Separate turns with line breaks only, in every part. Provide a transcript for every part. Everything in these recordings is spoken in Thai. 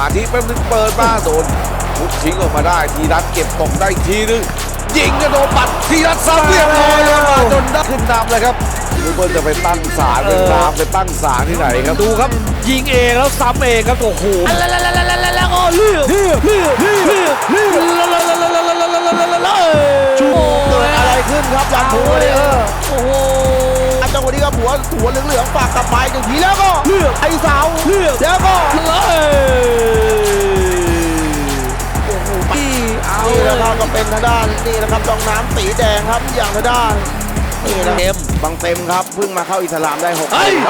มาธิแป๊บนึงเปิดมาโดนพุกทิ้งออกมาได้ทีรัตเก็บตกได้ทีนึงยิงกระโดดปัดทีรัตซ้ำเรียบร้อยแล้วมาจนได้ขึ้นนำเลยครับลูกบอลจะไปตั้งศาลเป็นตามไปตั้งศาลที่ไหนครับดูครับยิงเองแล้วซ้ำเองครับโอ้โหแล้วก็เลือก
เกิดอะไรขึ้นครับอย่างหัวเลยโอ้โหจังหวะนี้ครับหัวเหลืองๆปากกลับไปหนึ่งทีแล้วก็ไอ้เสาแล้วก็นี่นะครับก็เป็นทางด้านนี่นะครับจองน้ำสีแดงครับอย่างทางด้านนี่นะบังเต็มครับเพิ่งมาเข้าอิสลามได้6
เฮ้ย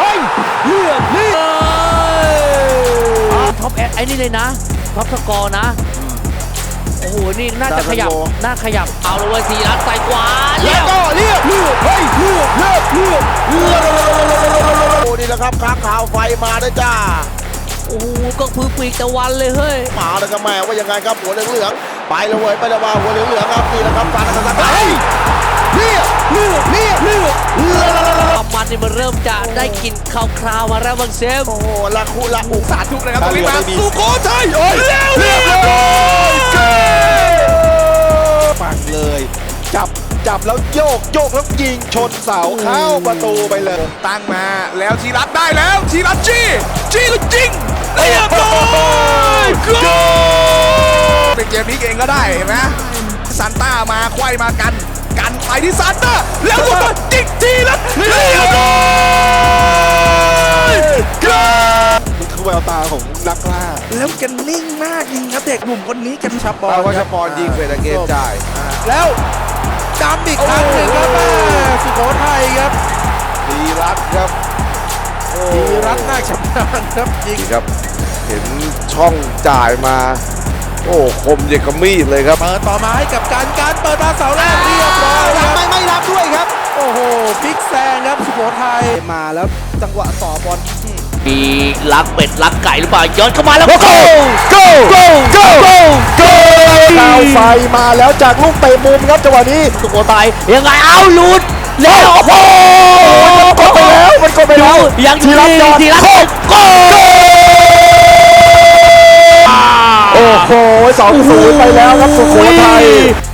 ท็อปแอดไอ้นี่เลยนะท็อปสกอร์นะโอ้โหนี่น่าจะขยับเอาเลยสีรัดใส่ขวา
แล้วก็เลือกโอ้นี่แหละครับค้างข่าวไฟมาด้วยจ้า
โอ้โหก็พื้นปีกตะวันเลยเฮ้ย
มาแล้วก็แม่ว่ายังไงครับหัวเหลืองไปเลยเว้ยไปเลยว่าหัวเหลืองครับนี่แหละครับการทำงานเลือก
มันนี่มันเริ่มจะได้กินคราวมาแล้วบางเซม
โอ้โหละคุ
สาธุนะครับตรงนี้มาสุโขทัย
เรียบร้อยปังเลยจับแล้วโยกแล้วยิงชนเสาเข้าประตูไปเลย
ตั้งมาแล้วทีรัตได้แล้วทีรัตจี้ก็ยิงเรียบร้อยเป็นเกมนี้เองก็ได้เห็นไหมซันต้ามาไขว้มากันไปที่ซันต้าแล้วลูกบอลยิงทีรัตเรียบร้อย
นี่คือแววตาของนักล่า
แล้วแกนิ่งมากจริงครับเด็กหนุ่มคนนี้แกชับบอลว่าชับบอลยิงเฟรเกตได้
แล้วจำอีกครั้งหนึ่งครับสุโขทัยครับ
ทีรัตครับ
ทีรัตน่าชำนาญครับ
ยิงครับเห็นช่องจ่ายมาโอ้คมเยกมีดเลยครับ
เปิดต่อมาให้กับการเปิดมาเสาแรกเรียบร้อยไม่รับด้วยครับโอ้โหพลิกแซงครับสุโขทัยมาแล้วจังหวะต่อบอล
มีลักเป็ดลักไก่หรือเปล่าย้อนเข้ามาแล้ว
โกดาวไฟมาแล้วจากลูกเตะมุมครับจังหวะนี้
สุโขทัยยังไงเอาหลุดแล้วโอ้โห
มันกดไปแล้ว
ยังทีรัตโก
โอ้โห2-0ไปแล้วครับสุโขทัย